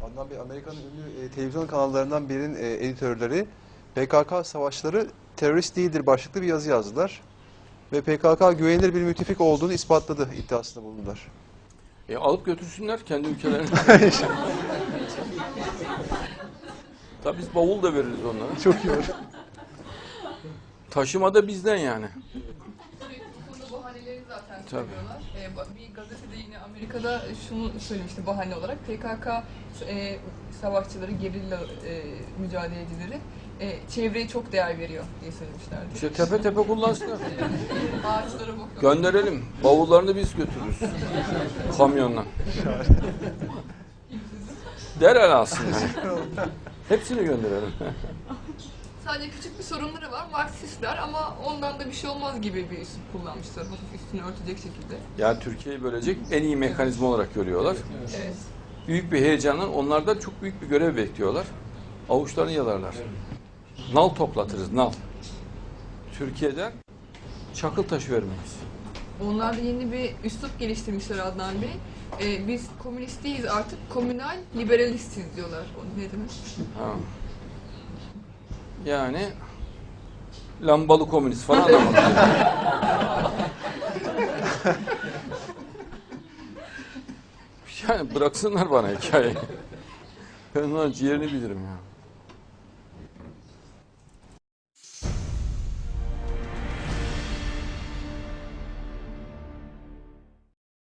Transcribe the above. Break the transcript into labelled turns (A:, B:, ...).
A: Adnan Bey, Amerika'nın ünlü televizyon kanallarından birinin editörleri PKK savaşları terörist değildir başlıklı bir yazı yazdılar. Ve PKK güvenilir bir müttefik olduğunu ispatladı iddiasında bulundular.
B: Alıp götürsünler kendi ülkelerine. Tabii biz bavul da veririz onlara.
A: Çok iyi olur.
C: Taşıma da bizden yani.
D: Bu konuda bahaneleri zaten söylüyorlar. Bir gazetede yine Amerika'da şunu söylemişti bahane olarak. PKK savaşçıları, gerilla mücadelecileri çevreye çok değer veriyor diye söylemişlerdi.
C: İşte tepe tepe kullansınlar.
D: Ağaçlara bakıyor.
C: Gönderelim. Bavullarını biz götürürüz. Kamyonla. Derhal alsınlar. Hepsini gönderelim.
D: Sadece küçük bir sorunları var. Marksistler ama ondan da bir şey olmaz gibi bir üslup kullanmışlar. Hafif üstünü örtecek şekilde.
C: Yani Türkiye'yi bölecek en iyi mekanizma olarak görüyorlar.
D: Evet.
C: Büyük bir heyecanla onlardan çok büyük bir görev bekliyorlar. Avuçlarını yalarlar. Nal toplatırız, nal. Türkiye'den çakıl taşı vermeyiz.
D: Onlar da yeni bir üslup geliştirmişler Adnan Bey. Biz komünist değiliz artık, komünal liberalistiz diyorlar. O ne demek?
C: Ha. Yani lambalı komünist falan anlamadım. Yani bıraksınlar bana hikayeyi. Ben onların ciğerini bilirim ya.